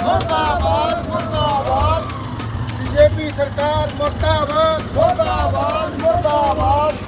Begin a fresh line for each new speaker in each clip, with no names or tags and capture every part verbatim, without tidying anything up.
मुर्दाबाद मुर्दाबाद बीजेपी सरकार मुर्दाबाद मुर्दाबाद मुर्दाबाद।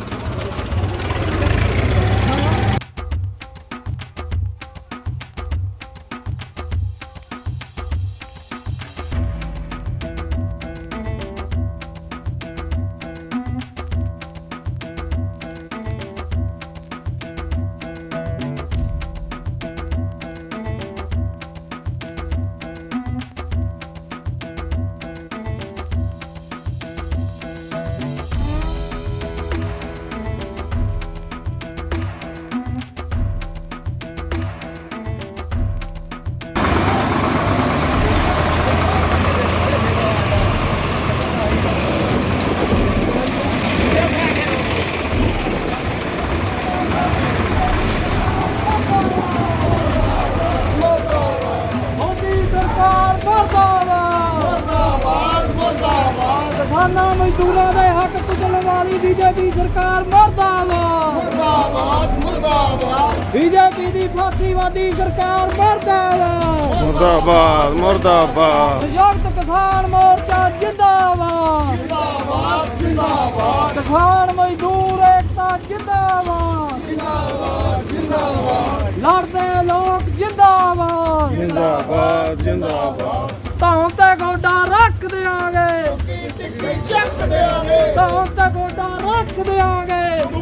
किसाना मजदूरों के हक कुचलने वाली बीजेपी सरकार मुर्दाबाद
मुर्दाबाद मुर्दाबाद
बीजेपी की फासीवादी सरकार मुर्दाबाद
मुर्दाबाद मुर्दाबाद
संयुक्त किसान मोर्चा जिंदाबाद
जिंदाबाद जिंदाबाद
किसान मजदूर एकता जिंदाबाद
जिंदाबाद जिंदाबाद
लड़ते लोग जिंदाबाद
जिंदाबाद जिंदाबाद
धौन ते गोडा रख देंगे
ਚੱਕ ਦੇਾਂਗੇ
धौन ते गोडा रख देंगे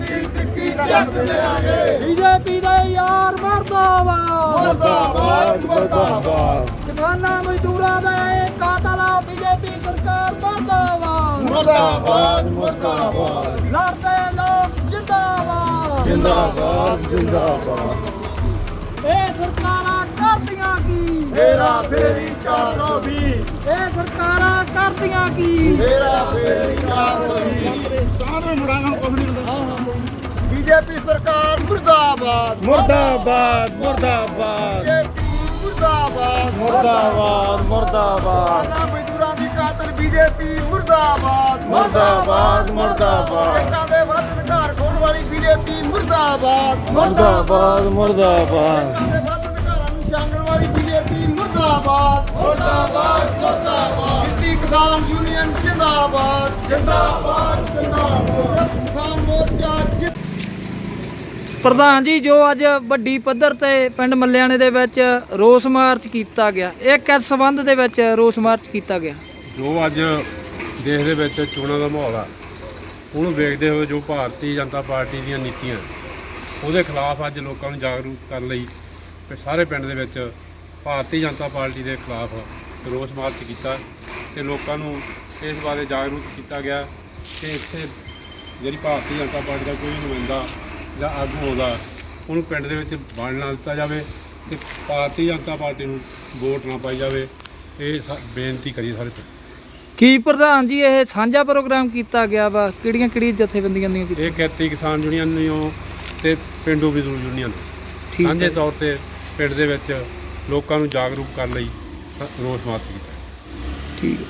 ਚੱਕ ਦੇਾਂਗੇ
बीजेपी दे यार मुर्दाबाद
मुर्दाबाद मुर्दाबाद
किसाना मजदूरों का कातल बीजेपी सरकार मुर्दाबाद
मुर्दाबाद मुर्दाबाद
लड़ते लोग जिंदाबाद
जिंदाबाद जिंदाबाद
ਇਹ ਸਰਕਾਰਾਂ ਕਰਦੀਆਂ ਕੀ
ਮੇਰਾ ਫੇਰੀ ਚਾਰ ਸੌ ਵੀਹ
ਇਹ ਸਰਕਾਰਾਂ ਕਰਦੀਆਂ ਕੀ
ਮੇਰਾ ਫੇਰੀ ਚਾਰ ਸੌ ਵੀਹ
ਕਾਹਦੇ ਮੁੜਾਂਗਾ ਕੁਝ ਨਹੀਂ ਹੁੰਦਾ
ਬੀਜੇਪੀ ਸਰਕਾਰ ਮੁਰਦਾਬਾਦ
ਮੁਰਦਾਬਾਦ ਮੁਰਦਾਬਾਦ
ਬੀਜੇਪੀ ਮੁਰਦਾਬਾਦ
ਮੁਰਦਾਬਾਦ ਮੁਰਦਾਬਾਦ
ਕਿਸਾਨਾਂ ਮਜ਼ਦੂਰਾਂ ਦੀ ਕਾਤਲ ਬੀਜੇਪੀ ਮੁਰਦਾਬਾਦ
ਮੁਰਦਾਬਾਦ ਮੁਰਦਾਬਾਦ
ਲੋਕਾਂ ਦੇ ਵੱਧ ਅਧਿਕਾਰ ਖੋਣ ਵਾਲੀ ਬੀਜੇਪੀ ਮੁਰਦਾਬਾਦ
ਮੁਰਦਾਬਾਦ ਮੁਰਦਾਬਾਦ
ਲੋਕਾਂ ਦੇ ਵੱਧ ਅਧਿਕਾਰਾਂ ਨੂੰ ਛਾਂਗਣ ਵਾਲੀ ਬੀਜੇਪੀ ਮੁਰਦਾਬਾਦ ਮੁਰਦਾਬਾਦ ਮੁਰਦਾਬਾਦ ਦਿੱਲੀ ਕਿਸਾਨ ਯੂਨੀਅਨ ਜਿੰਦਾਬਾਦ ਜਿੰਦਾਬਾਦ ਜਿੰਦਾਬਾਦ ਕਿਸਾਨ ਮੋਰਚਾ ਜਿ-
ਪ੍ਰਧਾਨ ਜੀ ਜੋ ਅੱਜ ਵੱਡੀ ਪੱਧਰ ਤੇ ਪਿੰਡ ਮੱਲਿਆਣੇ ਦੇ ਵਿੱਚ ਰੋਸ ਮਾਰਚ ਕੀਤਾ ਗਿਆ ਇਹ ਕਿਸ ਸੰਬੰਧ ਦੇ ਵਿੱਚ ਰੋਸ ਮਾਰਚ ਕੀਤਾ ਗਿਆ
ਜੋ ਅੱਜ ਦੇਸ਼ ਦੇ ਵਿੱਚ ਚੋਣਾਂ ਦਾ ਮਾਹੌਲ ਆ ਉਹਨੂੰ ਵੇਖਦੇ ਹੋਏ ਜੋ ਭਾਰਤੀ ਜਨਤਾ ਪਾਰਟੀ ਦੀਆਂ ਨੀਤੀਆਂ ਉਹਦੇ ਖਿਲਾਫ ਅੱਜ ਲੋਕਾਂ ਨੂੰ ਜਾਗਰੂਕ ਕਰਨ ਲਈ ਤੇ ਸਾਰੇ ਪਿੰਡ ਦੇ ਵਿੱਚ ਭਾਰਤੀ ਜਨਤਾ ਪਾਰਟੀ ਦੇ ਖਿਲਾਫ ਰੋਸ ਮਾਰਚ ਕੀਤਾ ਤੇ ਲੋਕਾਂ ਨੂੰ ਇਸ ਬਾਰੇ ਜਾਗਰੂਕ ਕੀਤਾ ਗਿਆ ਕਿ ਇੱਥੇ ਜਿਹੜੀ ਭਾਰਤੀ ਜਨਤਾ ਪਾਰਟੀ ਦਾ ਕੋਈ ਨੁਮਾਇੰਦਾ ਜਾਂ ਆਗੂ ਆਉਂਦਾ ਉਹਨੂੰ ਪਿੰਡ ਦੇ ਵਿੱਚ ਵੰਡ ਨਾ ਦਿੱਤਾ ਜਾਵੇ ਤੇ ਭਾਰਤੀ ਜਨਤਾ ਪਾਰਟੀ ਨੂੰ ਵੋਟ ਨਾ ਪਾਈ ਜਾਵੇ। ਇਹ ਸ- ਬੇਨਤੀ ਕਰੀ ਸਾਰੇ ਪਿੰਡ।
ਕੀ ਪ੍ਰਧਾਨ ਜੀ ਇਹ ਸਾਂਝਾ ਪ੍ਰੋਗਰਾਮ ਕੀਤਾ ਗਿਆ ਵਾ ਕਿਹੜੀਆਂ ਕਿਹੜੀਆਂ ਜਥੇਬੰਦੀਆਂ ਦੀਆਂ
ਇਹ ਖੇਤੀ ਕਿਸਾਨ ਯੂਨੀਅਨ ਨੂੰ ਤੇ ਪਿੰਡੂ ਮਜ਼ਦੂਰ ਯੂਨੀਅਨ
ਠੀਕ ਹੈ।
ਸਾਂਝੇ ਤੌਰ ਤੇ ਪਿੰਡ ਦੇ ਵਿੱਚ ਲੋਕਾਂ ਨੂੰ ਜਾਗਰੂਕ ਕਰਨ ਲਈ ਸ- ਰੋਸ ਮਾਰਚ ਕੀਤਾ।
ਠੀਕ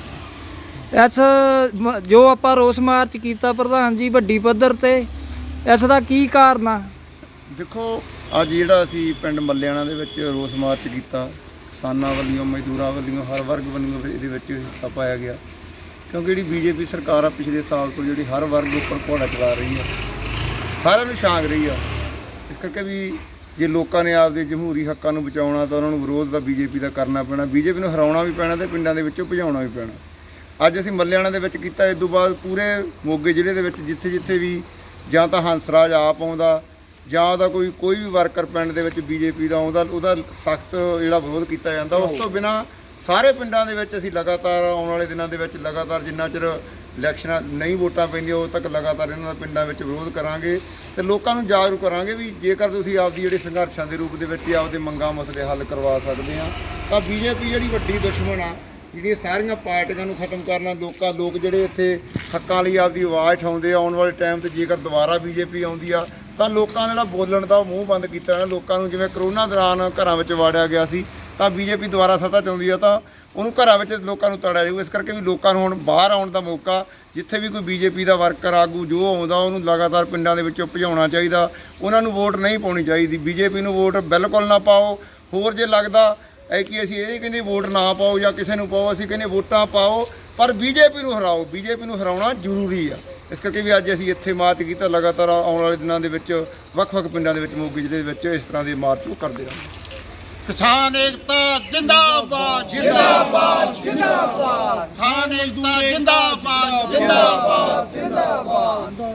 ਹੈ। ਇਸ ਮ- ਜੋ ਆਪਾਂ ਰੋਸ ਮਾਰਚ ਕੀਤਾ ਪ੍ਰਧਾਨ ਜੀ ਵੱਡੀ ਪੱਧਰ ਤੇ ਇਸ ਦਾ ਕੀ ਕਾਰਨ ਆ
ਦੇਖੋ ਅੱਜ ਜਿਹੜਾ ਅਸੀਂ ਪਿੰਡ ਮੱਲਿਆਣਾ ਦੇ ਵਿੱਚ ਰੋਸ ਮਾਰਚ ਕੀਤਾ ਕਿਸਾਨਾਂ ਵੱਲੋਂ ਮਜ਼ਦੂਰਾਂ ਵੱਲੋਂ ਹਰ ਵਰਗ ਵੱਲੋਂ ਇਹਦੇ ਵਿੱਚ ਹਿੱਸਾ ਪਾਇਆ ਗਿਆ ਕਿਉਂਕਿ ਜਿਹੜੀ ਬੀਜੇਪੀ ਸਰਕਾਰ ਆ ਪਿਛਲੇ ਸਾਲ ਤੋਂ ਜਿਹੜੀ ਹਰ ਵਰਗ ਉੱਪਰ ਘੋੜਾ ਚਲਾ ਰਹੀ ਆ ਸਾਰਿਆਂ ਨੂੰ ਛਾਂਗ ਰਹੀ ਆ ਇਸ ਕਰਕੇ ਵੀ ਜੇ ਲੋਕਾਂ ਨੇ ਆਪਦੇ ਜਮਹੂਰੀ ਹੱਕਾਂ ਨੂੰ ਬਚਾਉਣਾ ਤਾਂ ਉਹਨਾਂ ਨੂੰ ਵਿਰੋਧ ਦਾ ਬੀਜੇਪੀ ਦਾ ਕਰਨਾ ਪੈਣਾ ਬੀਜੇਪੀ ਨੂੰ ਹਰਾਉਣਾ ਵੀ ਪੈਣਾ ਤੇ ਪਿੰਡਾਂ ਦੇ ਵਿੱਚੋਂ ਭਜਾਉਣਾ ਵੀ ਪੈਣਾ। ਅੱਜ ਅਸੀਂ ਮੱਲਿਆਣਾ ਦੇ ਵਿੱਚ ਕੀਤਾ ਇਸ ਤੋਂ ਬਾਅਦ ਪੂਰੇ ਮੋਗੇ ਜ਼ਿਲ੍ਹੇ ਦੇ ਵਿੱਚ ਜਿੱਥੇ ਜਿੱਥੇ ਵੀ ਜਾਂ ਤਾਂ ਹੰਸਰਾਜ ਆਪ ਆਉਂਦਾ ਜਾਂ ਉਹਦਾ ਕੋਈ ਕੋਈ ਵੀ ਵਰਕਰ ਪਿੰਡ ਦੇ ਵਿੱਚ ਬੀਜੇਪੀ ਦਾ ਆਉਂਦਾ ਉਹਦਾ ਸਖਤ ਜਿਹੜਾ ਵਿਰੋਧ ਕੀਤਾ ਜਾਂਦਾ। ਉਸ ਤੋਂ ਬਿਨਾਂ ਸਾਰੇ ਪਿੰਡਾਂ ਦੇ ਵਿੱਚ ਅਸੀਂ ਲਗਾਤਾਰ ਆਉਣ ਵਾਲੇ ਦਿਨਾਂ ਦੇ ਵਿੱਚ ਲਗਾਤਾਰ ਜਿੰਨਾ ਚਿਰ ਇਲੈਕਸ਼ਨਾਂ ਨਹੀਂ ਵੋਟਾਂ ਪੈਂਦੀਆਂ ਉਦੋਂ ਤੱਕ ਲਗਾਤਾਰ ਇਹਨਾਂ ਦਾ ਪਿੰਡਾਂ ਵਿੱਚ ਵਿਰੋਧ ਕਰਾਂਗੇ ਤੇ ਲੋਕਾਂ ਨੂੰ ਜਾਗਰੂਕ ਕਰਾਂਗੇ ਵੀ ਜੇਕਰ ਤੁਸੀਂ ਆਪਦੀ ਜਿਹੜੇ ਸੰਘਰਸ਼ਾਂ ਦੇ ਰੂਪ ਦੇ ਵਿੱਚ ਆਪਦੇ ਮੰਗਾਂ ਮਸਲੇ ਹੱਲ ਕਰਵਾ ਸਕਦੇ ਆ ਤਾਂ ਬੀਜੇਪੀ ਜਿਹੜੀ ਵੱਡੀ ਦੁਸ਼ਮਣ ਆ ਜਿਹੜੀਆਂ ਸਾਰੀਆਂ ਪਾਰਟੀਆਂ ਨੂੰ ਖਤਮ ਕਰਨਾ ਲੋਕਾਂ ਲੋਕ ਜਿਹੜੇ ਇੱਥੇ ਹੱਕਾਂ ਲਈ ਆਪਦੀ ਆਵਾਜ਼ ਉਠਾਉਂਦੇ ਆ ਆਉਣ ਵਾਲੇ ਟਾਈਮ ਤੇ ਜੇਕਰ ਦੁਬਾਰਾ ਬੀਜੇਪੀ ਆਉਂਦੀ ਆ ਤਾਂ ਲੋਕਾਂ ਦਾ ਜਿਹੜਾ ਬੋਲਣ ਦਾ ਮੂੰਹ ਬੰਦ ਕੀਤਾ ਜਾਣਾ। ਲੋਕਾਂ ਨੂੰ ਜਿਵੇਂ ਕਰੋਨਾ ਦੌਰਾਨ ਘਰਾਂ ਵਿੱਚ ਵਾੜਿਆ ਗਿਆ ਸੀ ਤਾਂ ਬੀਜੇਪੀ ਦੁਬਾਰਾ ਸੱਤਾ 'ਚ ਆਉਂਦੀ ਆ ਤਾਂ ਉਹਨੂੰ ਘਰਾਂ ਵਿੱਚ ਲੋਕਾਂ ਨੂੰ ਤੜਿਆ ਜਾਊ। ਇਸ ਕਰਕੇ ਵੀ ਲੋਕਾਂ ਨੂੰ ਹੁਣ ਬਾਹਰ ਆਉਣ ਦਾ ਮੌਕਾ ਜਿੱਥੇ ਵੀ ਕੋਈ ਬੀਜੇਪੀ ਦਾ ਵਰਕਰ ਆਗੂ ਜੋ ਆਉਂਦਾ ਉਹਨੂੰ ਲਗਾਤਾਰ ਪਿੰਡਾਂ ਦੇ ਵਿੱਚੋਂ ਭਜਾਉਣਾ ਚਾਹੀਦਾ। ਉਹਨਾਂ ਨੂੰ ਵੋਟ ਨਹੀਂ ਪਾਉਣੀ ਚਾਹੀਦੀ। ਬੀਜੇਪੀ ਨੂੰ ਵੋਟ ਬਿਲਕੁਲ ਨਾ ਪਾਓ। ਹੋਰ ਜੇ ਲੱਗਦਾ ਐ ਕਿ ਅਸੀਂ ਇਹ ਕਹਿੰਦੇ ਵੋਟ ਨਾ ਪਾਓ ਜਾਂ ਕਿਸੇ ਨੂੰ ਪਾਓ, ਅਸੀਂ ਕਹਿੰਦੇ ਵੋਟਾਂ ਪਾਓ ਪਰ ਬੀਜੇਪੀ ਨੂੰ ਹਰਾਓ। ਬੀਜੇਪੀ ਨੂੰ ਹਰਾਉਣਾ ਜ਼ਰੂਰੀ ਆ। ਇਸ ਕਰਕੇ ਵੀ ਅੱਜ ਅਸੀਂ ਇੱਥੇ ਮਾਰਚ ਕੀਤਾ। ਲਗਾਤਾਰ ਆਉਣ ਵਾਲੇ ਦਿਨਾਂ ਦੇ ਵਿੱਚ ਵੱਖ-ਵੱਖ ਪਿੰਡਾਂ ਦੇ ਵਿੱਚ ਮੋਗੇ ਜ਼ਿਲ੍ਹੇ ਦੇ ਵਿੱਚ ਇਸ ਤਰ੍ਹਾਂ ਦੇ ਮਾਰਚ ਉਹ ਕਰਦੇ ਰਹਾਂਗੇ।
ਕਿਸਾਨ ਏਕਤਾ ਜਿੰਦਾਬਾਦ ਜਿੰਦਾਬਾਦ ਜਿੰਦਾਬਾਦ ਕਿਸਾਨ ਏਕਤਾ ਜਿੰਦਾਬਾਦ ਜਿੰਦਾਬਾਦ ਜਿੰਦਾਬਾਦ